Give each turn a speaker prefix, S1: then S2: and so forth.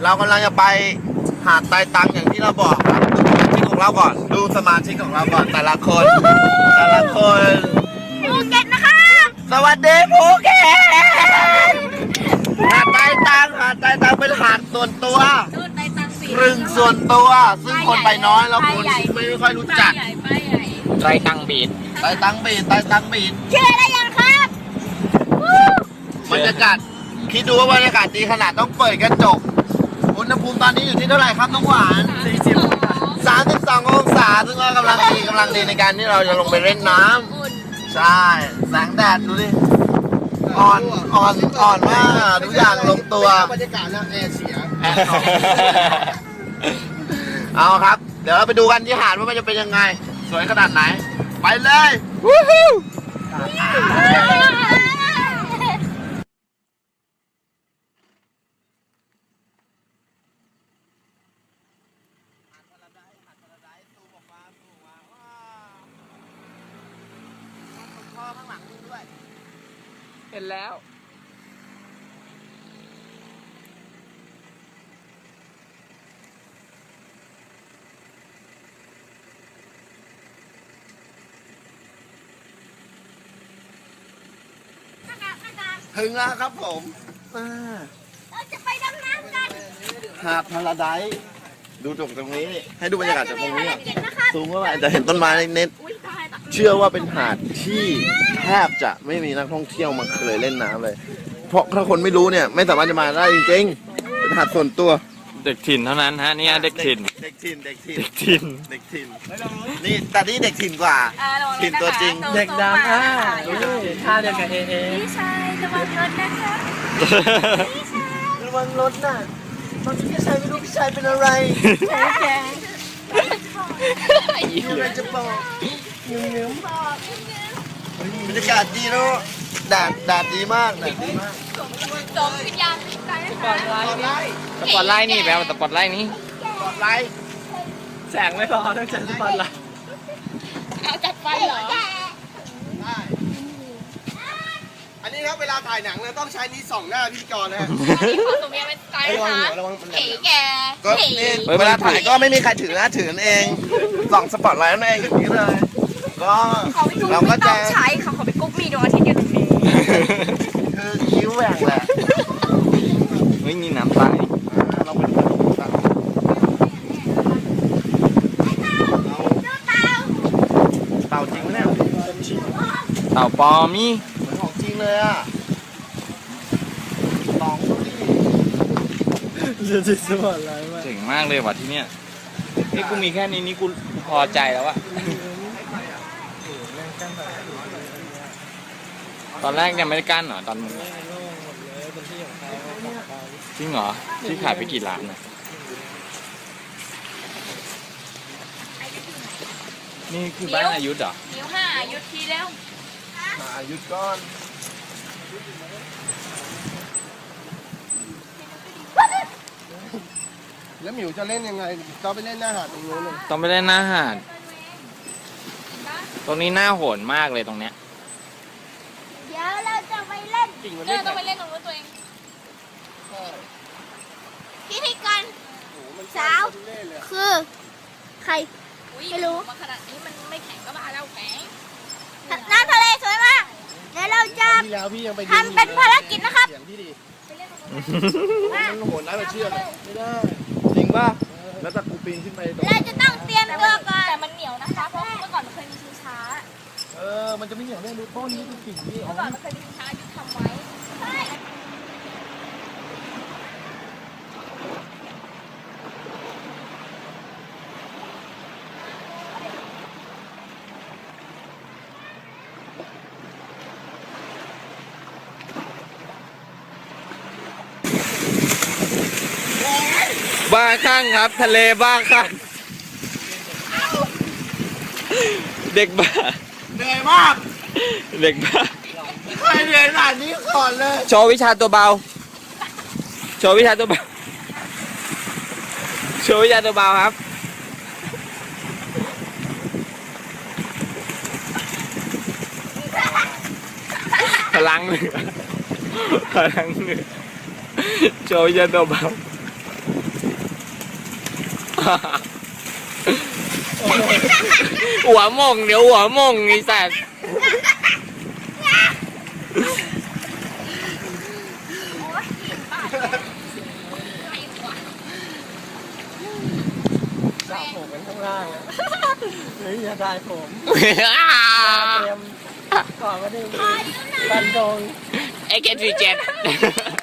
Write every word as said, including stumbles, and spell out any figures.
S1: เรากำลังจะไปหาดไตตังอย่างที่เราบอกครับดูสมาชิกของเราก่อนดูสมาชิกของเราก่อนแต่ละคนแต่ละคน
S2: ภูเก็ตนะคะ
S1: สวัสดีภูเก็ตหาดไตตังหาดไตตังเป็นหาดส่วนตัวครึ่งส่วนตัวซึ่งคนไปน้อยแล้วคนไม่ค่อยรู้จัก
S3: ไตรตังบีด
S1: ไตตังบีดไตตังบีด
S2: เชื่อได้ยังครับ
S1: บรรยากาศคิดดูว่าบรรยากาศดีขนาดต้องเปิดกระจกอุณหภูมิตอนนี้อยู่ที่เท่าไหร่ครับน้องหวานสี่สิบสามสิบสององศาซึ่งก็กำลังดีกำลังดีในการที่เราจะลงไปเล่นน้ำใช่แสงแดดดูดิอ่อนอ่อนอ่อนมากทุกอย่างลงตัวบรรยากาศแล้วแอร์เสียเอาครับเดี๋ยวเราไปดูกันที่หาดว่ามันจะเป็นยังไงสวยขนาดไหนไปเลยวู้ฮู้
S3: เห็นแล้ว
S1: ถึงแล้วครับผม
S2: เราจะไปดำน้ำกัน
S1: หาดพาราไดซ์ดูจากตรงนี้ให้ดูบรรยากาศจากตรงนี้สูงว่าจะเห็นต้นไม้เน็ตเชื่อว่าเป็นหาดที่แทบจะไม่มีนักท่องเที่ยวมาเคยเล่นน้ำเลยเพราะถ้าคนไม่รู้เนี่ยไม่สามารถจะมาได้จริงๆเป็นหาดส่วนตัว
S3: เด็กถิ่นเท่านั้นฮะนี่เด็กถิ่น
S1: เด็กถิ่นเด็กถิ่น
S3: เด็กถิ่น
S1: เด็กถิ่นนี่แต่นี่เด็กถิ่นกว่าถิ่นตัวจริง
S4: เด็กดำอ่ะท่าเดียวกับเอเอ
S2: พี่ชายระวังรถนะคะ
S1: ระวังรถน่ะตอนที่พี่ชายไม่รู้พี่ชายเป็นอะไร
S2: แก
S1: มีอะไรจะบอกเงี้ยบรรยากาศดีเนาะแดดแดดดีมากแดดดีมาก
S2: สมวิญญาณพิการสปอตไลท์
S3: สปอตไลท์นี่แปลว่าสปอตไลท์นี่
S1: สปอตไลท์
S4: แสงไม่พอต้องใช้สปอตไลท์
S2: เอาจัดไฟเหรอ
S1: ได้อันนี้ครับเวลาถ่ายหนังเราต้องใช้นี้ส่องหน้าพิธีกรนะฮะ
S2: สมเมียเป็นไกด์นะคะเก๋แก
S1: ก็เวลาถ่ายก็ไม่มีใครถือนะถือเองส่องสปอตไลท์นั่นเองอย่างนี้เลยก็เราก็จะ
S2: ใช้ค่ะเขาไปกุ๊กมีดวงอาทิตย์อยู่ตรงนี้
S1: คือคิ้วแหว่งแหละ
S3: เฮ้ยนี่น้ำตาย
S1: เราไปดูกันเต่าจริงไหมเนี่ย
S3: เต่าปลอมนี่
S1: เหมือนของจริงเลยอ่ะลองดูดิ
S4: จะจิตสปอตไลท์มาก
S3: เจ๋งมากเลยว่ะที่เนี้ยนี่กูมีแค่นี้นี่กูพอใจแล้วอะตอนแรกยังไม่ได้กั้นเหรอตอนมึงจริงเหรอที่ขายไปกี่ล้านนะนี่คือบ้านอายุเหรอ
S2: นิ้วห้าอายุทีแล้ว
S1: มาอายุก้อนแล้วหมิวจะเล่นยังไงต้องไปเล่นหน้าหาดตรงนู้นเลย
S3: ต้องไปเล่นหน้าหาดตรงนี้หน้าโหดมากเลยตรงเนี้ย
S2: เดี๋ยวเราจะไปเล่นเออต้องไปเล่นตรงนู้นตัวเองพิธีการสาวคือใครไม่รู้มาขนาดนี้มันไม่แข็งก็บ้าแล้วแข็งน้ำทะเลสวยมากเดี๋ยวเราจะทำเป็นภารกิจนะครับ
S1: มันโหดร้ายมาเชื่อไม่ได้จริงป่ะแล้วถ้ากูปีนขึ้นไป
S2: เราจะต้องเตรียมตัวก่อนแต่มันเหนียวนะคะเพราะเมื่อก่อนมันเคยมีชิงช้า
S1: เออมันจะไม่เหนียวแน่ดูต้นนี้คือกิ่งนี่
S2: เมื่อก่อนมันเคยมีชิงช้ายุทธทำไว้
S3: บ้าข้างครับทะเลบ้าข้างเด็กบ้า
S1: เหนื่อยมาก
S3: เด็กบ้า
S1: ใครเหนื่อยขนาดนี้ก่อนเลย
S3: โชว์วิชาตัวเบาโชว์วิชาตัวเบาโชว์วิชาตัวเบาครับพลังเหนือพลังเหนือโชว์วิชาตัวเบาหัวหมงเดี๋ยวหัวหมงไอ้สัตว์
S4: สระผมกันข้างล่างอ่ะเฮ้ยอย่าได้ผมเตรียมก่อนก็ได้บันดง
S3: ไอ้เกตรีเจ็ด